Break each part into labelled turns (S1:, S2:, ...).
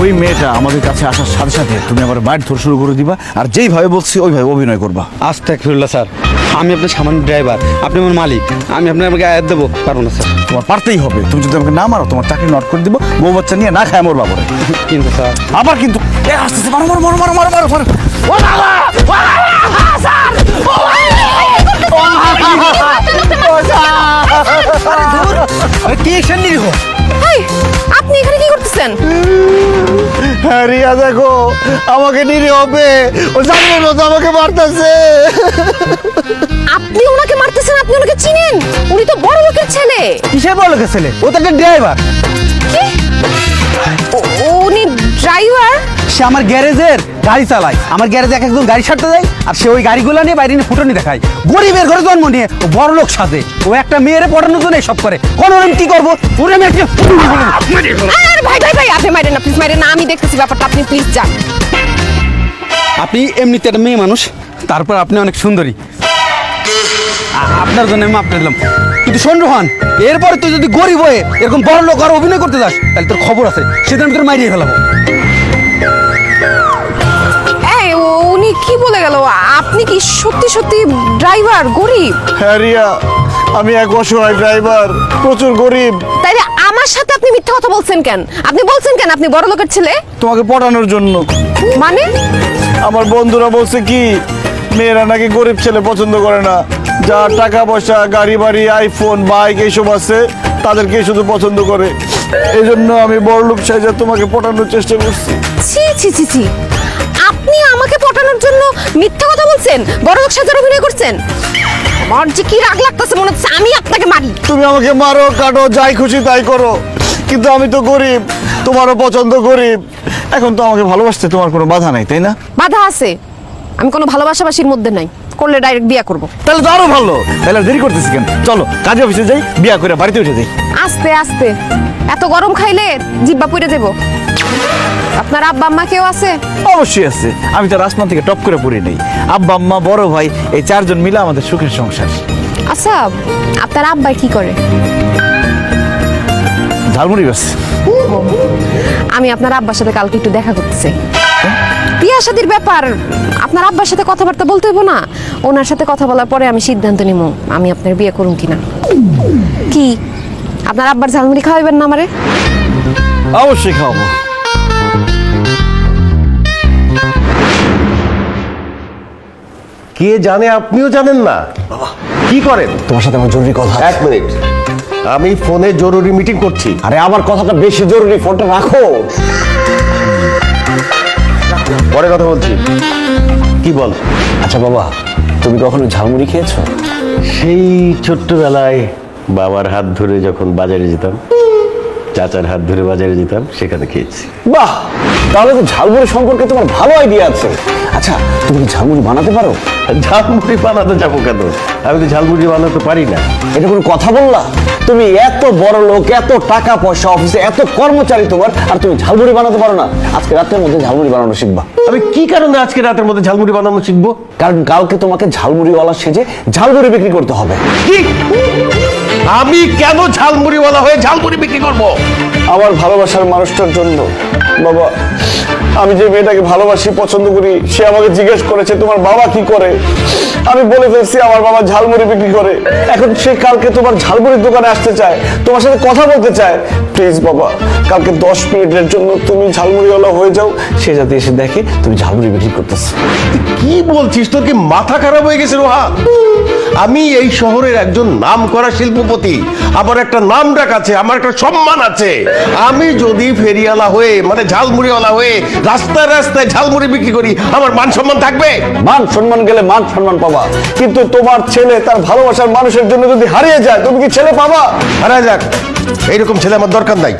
S1: ওই মেয়েটা আমাদের কাছে আসার সাথে সাথে তুমি আবার মাইট ধর শুরু করে দিবা, আর যেইভাবে বলছি ওইভাবে অভিনয় করবা।
S2: আস্তাগফিরুল্লাহ স্যার, আমি আপনার সামান্য ড্রাইভার, আপনি আমার মালিক, আমি আপনাকে আয়াত দেবো পারবো না স্যার।
S1: তোমার পারতেই হবে, তুমি যদি আমাকে না মারো তোমার চাকরি নট করে দিব, বউ বাচ্চা নিয়ে না খায় মরবা পরে।
S2: কিন্তু স্যার
S1: আবার কিন্তু আসতেছে, মারো মারো মারো মারো মারো মারো মারো। ও বাবা! স্যার!
S2: কি অ্যাকশন নিব?
S3: আপনি এখানে কি করতেছেন?
S1: হ্যাঁ রিয়া, দেখো আমাকে নিরে হবে, ও জানে না তো আমাকে মারতেছে।
S3: আপনি ওনাকে মারতেছেন? আপনি ওনাকে চিনেন? উনি তো বড় লোকের ছেলে।
S2: কিসের বড় লোকের ছেলে? ও তো একটা ড্রাইভার।
S3: কি? উনি ড্রাইভার?
S2: সে আমার গ্যারেজের গাড়ি চালায়, আমার গ্যারেজে এক একজন গাড়ি ছাড়তে যায়, আর সে ওই গাড়িগুলো নিয়ে বাইরে নিয়ে ফুটানি দেখায়। গরিবের ঘরে জন্ম নিয়ে ও বড় লোক সাজে, ও একটা মেয়েরে পড়ানোর জন্য এসব করে। কোন আমি কি করবো? ওরে আমি একটা
S3: আরে ভাই ভাই ভাই, আপনি মারেন না, প্লিজ মারেন না, আমি দেখতেছি ব্যাপারটা, আপনি প্লিজ যান।
S2: আপনি এমনিতে একটা মেয়ে মানুষ, তারপর আপনি অনেক সুন্দরী, আপনার জন্য আমি মাপ দিলাম। কিন্তু শোন রোহান, এরপরে তুই যদি গরিব হয়ে এরকম বড় লোক আর অভিনয় করতে যাস, তাহলে তোর খবর আছে, সেদিন আমি তোর মাইরিয়ে ফেলাবো।
S3: এই উনি কি বলে গেল? আপনি কি সত্যি সত্যি ড্রাইভার, গরিব?
S1: হ্যাঁ রিয়া, আমি এক অসহায় ড্রাইভার, প্রচুর গরিব।
S3: তাইলে আমার সাথে আপনি মিথ্যা কথা বলছেন কেন? আপনি বলছেন কেন আপনি বড় লোকের ছেলে?
S1: তোমাকে পটানোর জন্য।
S3: মানে?
S1: আমার বন্ধুরা বলছে কি মেয়েরা নাকি গরিব ছেলে পছন্দ করে না, যা টাকা পয়সা গাড়ি বাড়ি আইফোন বাইক এইসব আছে তাদেরকে শুধু পছন্দ করে। এই জন্য আমি বড়লোক সাইজা তোমাকে পটানোর চেষ্টা করছি।
S3: ছি ছি ছি ছি, আপনি আমাকে পটানোর জন্য মিথ্যা কথা বলছেন, বড় লোক সাজার অভিনয় করছেন? আমার যে কি রাগ লাগতেছে, মনে হচ্ছে আমি আপনাকে মারি।
S1: তুমি আমাকে মারো কাটো যাই খুশি তাই করো, কিন্তু আমি তো গরিব, তোমারও পছন্দ গরিব। এখন তো আমাকে ভালোবাসতে তোমার কোনো বাধা নাই, তাই না?
S3: বাধা আছে, আমি কোনো ভালোবাসাবাসির মধ্যে নাই, করলে ডাইরেক্ট বিয়া করব।
S1: তাহলে তো আরো ভালো, তাহলে দেরি করতেছি কেন? চলো কাজে অফিসে যাই, বিয়া করে বাড়িতে উঠে যাই।
S3: আস্তে আস্তে, এত গরম খাইলে জিব্বা পুড়ে দেব। আপনার আব্বা আম্মা কেউ আছে?
S1: অবশ্যই আছে, আমি তো আসমান থেকে টপ করে পড়ি নেই। আব্বা আম্মা বড় ভাই এই চারজন মিলে আমাদের সুখের সংসার।
S3: আচ্ছা, আপনার আব্বা কি করে?
S1: ঝালমুড়ি বাস।
S3: আমি আপনার আব্বার সাথে কালকে একটু দেখা করতে চাই। বিয়া শাদির ব্যাপার, আপনার আব্বার সাথে কথাবার্তা বলতে হইব না? ওনার সাথে কথা বলার পরে আমি সিদ্ধান্ত নিব আমি আপনার বিয়ে করুন কিনা। কি আপনার আব্বার ঝালমুড়ি খাওয়াইবেন না আমারে?
S1: অবশ্যই খাওয়াবো।
S4: কে জানে, আপনিও জানেন না? কি করেন?
S1: তোমার সাথে আমার জরুরি কথা।
S4: এক মিনিট, আমি ফোনে জরুরি মিটিং করছি।
S1: আরে আমার কথাটা বেশি জরুরি, ফোনটা রাখো।
S4: পরে কথা বলছি। কি বল?
S1: আচ্ছা বাবা, তুমি কখনো ঝালমুড়ি খেয়েছো?
S4: সেই ছোট্টবেলায় বাবার হাত ধরে যখন বাজারে যেতাম, চাচার হাত ধরে বাজারে যেতাম, সেখানে খেয়েছি।
S1: বাহ, তাহলে তো ঝালমুড়ি সম্পর্কে তোমার ভালো আইডিয়া আছে। আচ্ছা, তুমি কি ঝালমুড়ি বানাতে পারো?
S4: ঝালমুড়ি বানাতে যাবো কেন? আমি তো ঝালমুড়ি বানাতে পারি না।
S1: এটা কোনো কথা বললা? তুমি এত বড় লোক, এত টাকা পয়সা, অফিসে এত কর্মচারী তোমার, আর তুমি ঝালমুড়ি বানাতে পারো না? আজকে রাতের মধ্যে ঝালমুড়ি বানানো শিখবা।
S4: আমি কি কারণে আজকে রাতের মধ্যে ঝালমুড়ি বানানো শিখবো?
S1: কারণ কালকে তোমাকে ঝালমুড়িওয়ালা সেজে ঝালমুড়ি বিক্রি করতে হবে।
S4: কি? আমি কেন ঝালমুড়িওয়ালা হয়ে ঝালমুড়ি বিক্রি করব?
S1: আমার ভালোবাসার মানুষটার জন্য। বাবা, আমি যে মেয়েটাকে ভালোবাসি, পছন্দ করি, সে আমাকে জিজ্ঞেস করেছে তোমার বাবা কি করে। আমি বলে ফেলছি আমার বাবা ঝালমুড়ি বিক্রি করে। এখন সে কালকে তোমার ঝালমুড়ির দোকানে আসতে চায়, তোমার সাথে কথা বলতে চায়। প্লিজ বাবা, কালকে 10 মিনিটের জন্য তুমি ঝালমুড়িওয়ালা হয়ে যাও, সে যাতে এসে দেখে তুমি ঝালমুড়ি বিক্রি করতেছো।
S4: তুই কি বলছিস? তোর কি মাথা খারাপ হয়ে গেছে রোহান? আমি এই শহরের একজন নামকরা শিল্পপতি, আমার একটা নাম ডাক আছে, আমার একটা সম্মান আছে। আমি যদি ফেরিওয়ালা হয়ে মানে ঝালমুড়িওয়ালা হয়ে রাস্তায় রাস্তায় ঝালমুড়ি বিক্রি করি, আমার মান সম্মান থাকবে?
S1: মান সম্মান গেলে মান সম্মান পাবা, কিন্তু তোমার ছেলে তার ভালোবাসার মানুষের জন্য যদি হারিয়ে যায়, তুমি কি ছেলে পাবা?
S4: হারা যাক, এইরকম ছেলে আমার দরকার নাই।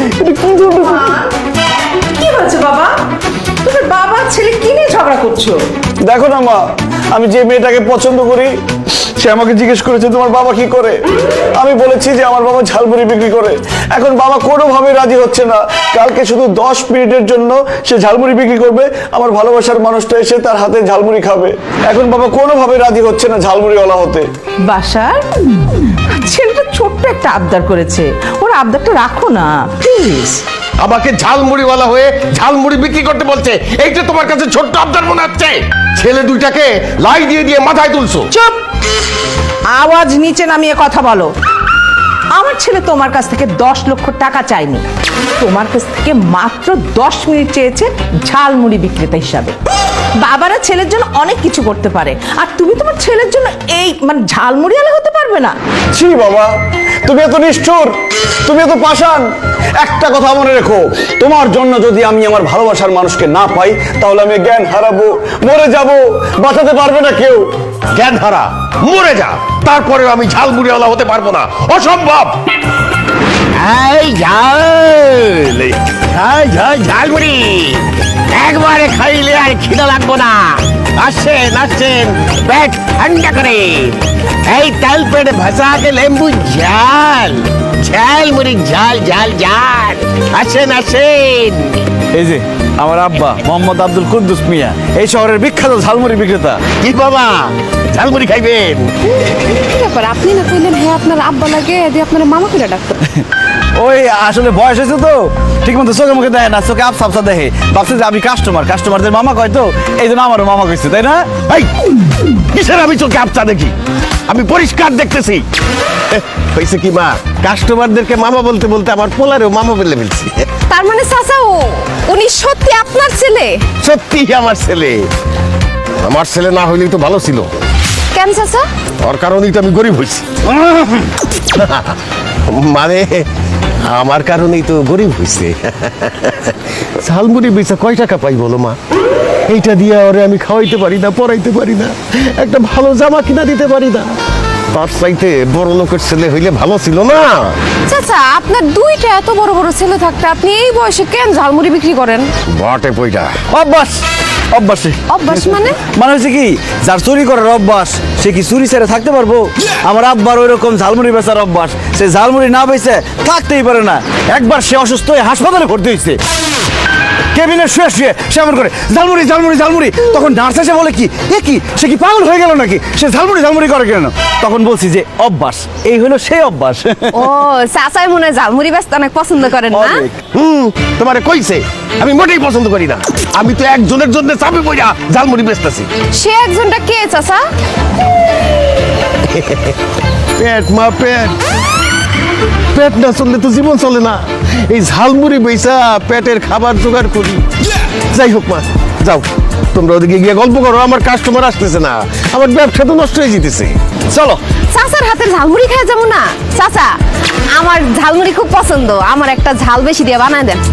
S5: কি হয়েছে বাবা? তুমি বাবা ছেলে কি নিয়ে ঝগড়া করছো?
S1: দেখো না মা, আমি যে মেয়েটাকে পছন্দ করি সে আমাকে জিজ্ঞেস করেছে তোমার বাবা কি করে। আমি বলেছি যে আমার বাবা ঝালমুড়ি বিক্রি করে। এখন বাবা কোনোভাবে রাজি হচ্ছে না। কালকে শুধু 10 মিনিটের জন্য সে ঝালমুড়ি বিক্রি করবে, আমার ভালোবাসার মানুষটা এসে তার হাতে ঝালমুড়ি খাবে। এখন বাবা কোনোভাবে রাজি হচ্ছে না ঝালমুড়িওয়ালা হতে।
S5: বাসার ছেলেটা ছোট্ট একটা আবদার করেছে, ওর আবদারটা রাখো না প্লিজ।
S4: আমাকে ঝালমুড়িওয়ালা হয়ে ঝালমুড়ি বিক্রি করতে বলছে, এইটা তোমার কাছে ছোট্ট আবদার মনে হচ্ছে? ছেলে দুইটাকে লাই দিয়ে দিয়ে মাথায় তুলছো।
S5: চুপ, আওয়াজ নিচে নামিয়ে কথা বলো। আমার ছেলে তোমার কাছ থেকে 10 লক্ষ টাকা চায়নি, তোমার কাছ থেকে মাত্র 10 মিনিট চেয়েছে ঝালমুড়ি বিক্রেতা হিসাবে। বাবারা ছেলের জন্য অনেক কিছু করতে পারে, আর তুমি তোমার ছেলের জন্য এই মানে ঝালমুড়িওয়ালা হতে পারবে না?
S1: ছি বাবা, তুমি এত নিষ্ঠুর, তুমি এত পাষাণ। একটা কথা মনে রেখো, তোমার জন্য যদি আমি আমার ভালোবাসার মানুষকে না পাই, তাহলে আমি জ্ঞান হারাবো, মরে যাব, বাঁচাতে পারবে না কেউ।
S4: জ্ঞান হারা, মরে যা, তারপরেও আমি ঝালমুড়িওয়ালা হতে পারবো না, অসম্ভব।
S6: এই ঝাল ঝাল ঝাল ঝালমুড়ি একবারে খাইলে আর খিদা লাগবো না। আসছেন আসছেন, পেট ঠান্ডা করে এই তেল পেটে ভাসাকে লেম্বু ঝাল ঝালমুড়ি ঝাল ঝাল ঝাল। আসেন আসেন।
S2: এই যে আমার আব্বা মোহাম্মদ আব্দুল কুদ্দুস মিয়া, এই শহরের বিখ্যাত ঝালমুড়ি বিক্রেতা।
S6: কি বাবা, ঝালমুড়ি খাইবেন?
S3: কি ব্যাপার, আপনি না কইলেন হ্যাঁ আপনার আব্বা লাগে, দিয়ে আপনার মামা কইরা ডাক্তার।
S2: ওই আসলে বয়স হয়েছে তো, ঠিক মতো চোখে মুখে দেখে না, চোখে আফসা আফসা দেখে, ভাবছে যে আমি কাস্টমারদের মামা কয় তো, এই জন্য আমারও মামা কইছে, তাই না?
S6: এই কিসের আমি চোখে আপচা দেখি? আমি পরিষ্কার দেখতেছি।
S4: হয়েছে কি মা, কাস্টমারদেরকে মামা বলতে বলতে আমার পোলারেও মামা বলে ফেলছি।
S3: তার মানে চাচা উনি সত্যি আপনার ছেলে?
S4: সত্যি আমার ছেলে। আমার ছেলে না হইলেই তো ভালো ছিল,
S3: কেন চাচা?
S4: ওর কারণেই তো আমি গরিব হয়েছি। মানে আমার কারণেই তো গরিব হয়েছে। ঝালমুড়ি বেচা কয় টাকা পাই বলো মা? এইটা দিয়ে ওরে আমি খাওয়াইতে পারি না, পড়াইতে পারি না, একটা ভালো জামা কিনা দিতে পারি না। তার চাইতে বড় লোকের ছেলে হইলে ভালো ছিল না?
S3: চাচা আপনার দুইটা এত বড় বড় ছেলে থাকতে আপনি এই বয়সে কেন ঝালমুড়ি বিক্রি করেন?
S4: বটে পয়টা।
S2: অভ্যাস, অভ্যাসে
S3: অভ্যাস মানে?
S2: মানে হচ্ছে কি, যার চুরি করার অভ্যাস সে কি চুরি ছেড়ে থাকতে পারবো? আমার আব্বার ওই রকম ঝালমুড়ি বেচার অভ্যাস, সে ঝালমুড়ি না বেচে থাকতেই পারে না। একবার সে অসুস্থ হয়ে হাসপাতালে ভর্তি হয়েছে, কেবিনে শুয়ে শুয়ে সে এমন করে ঝালমুড়ি ঝালমুড়ি ঝালমুড়ি। তখন নার্স এসে বলে কি, এ কি সে কি পাগল হয়ে গেল নাকি, সে ঝালমুড়ি ঝালমুড়ি করে কেন? তখন বলছি যে অভ্যাস, এই হলো সেই অভ্যাস।
S3: ও চাচাই মনে হয় ঝালমুড়ি বেচতে অনেক পছন্দ করেন না?
S2: অনেক।
S4: তোমারে কইছে আমি মোটেই পছন্দ করি না। আমি তো একজনের জন্য চাপে পড়া ঝালমুড়ি বেচতেছি।
S3: সে একজনটা কে চাচা?
S4: পেট মা, পেট। পেট না চললে তো জীবন চলে না। এই ঝালমুড়ি বেচা পেটের খাবার জোগাড় করি। যাই হোক মা, যাও তোমরা ওদিকে গিয়ে গল্প করো, আমার কাস্টমার আসতেছে না, আমার ব্যবসা তো নষ্ট হয়ে যেতেছে।
S2: চলো।
S3: চাচার হাতের ঝালমুড়ি খায় যাবো না? চাচা আমার ঝালমুড়ি খুব পছন্দ, আমার একটা ঝাল বেশি দিয়ে বানায় দেন।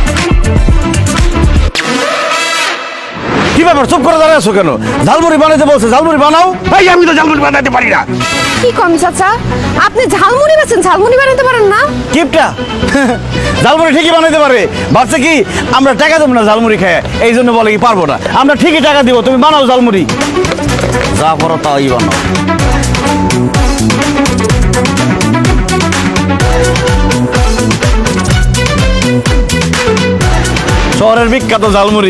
S2: কি ব্যাপার, চুপ করে দাঁড়িয়ে আছো কেন? ঝালমুড়ি বানাইতে বলছে, ঝালমুড়ি বানাও।
S4: ভাই আমি তো ঝালমুড়ি বানাতে পারি না।
S3: কি কম চাচা, আপনি ঝালমুড়ি বেচেন, ঝালমুড়ি বানাতে পারেন না?
S2: কিপটা ঝালমুড়ি ঠিকই বানাইতে পারে, ভাবছে কি আমরা টাকা দেবো না ঝালমুড়ি খায়, এই জন্য বলে কি পারবো না। আমরা ঠিকই টাকা দিব, তুমি বানাও ঝালমুড়ি, যা করো তাই বানাও। শহরের বিখ্যাত ঝালমুড়ি।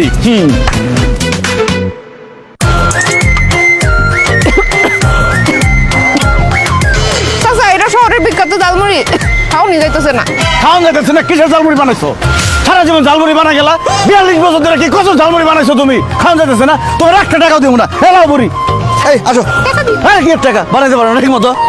S3: চাচা এটা শহরের বিখ্যাত ঝালমুড়ি, খাওনি যাইতেছে না।
S2: খাওয়া যাইতেছে না? কিসের ঝালমুড়ি বানাইছো? সারা জীবন ঝালমুড়ি বানা গেলা, 42 বছর ধরে কি কত ঝালমুড়ি বানাইছো তুমি? খাওয়া যাইতেছে না? তোমার একটা টাকাও দিব না। হেলাও বুড়ি, এই আসো।
S3: টাকা দিই।
S2: হ্যাঁ কি টাকা বানাইতে পারো না ঠিক মতো?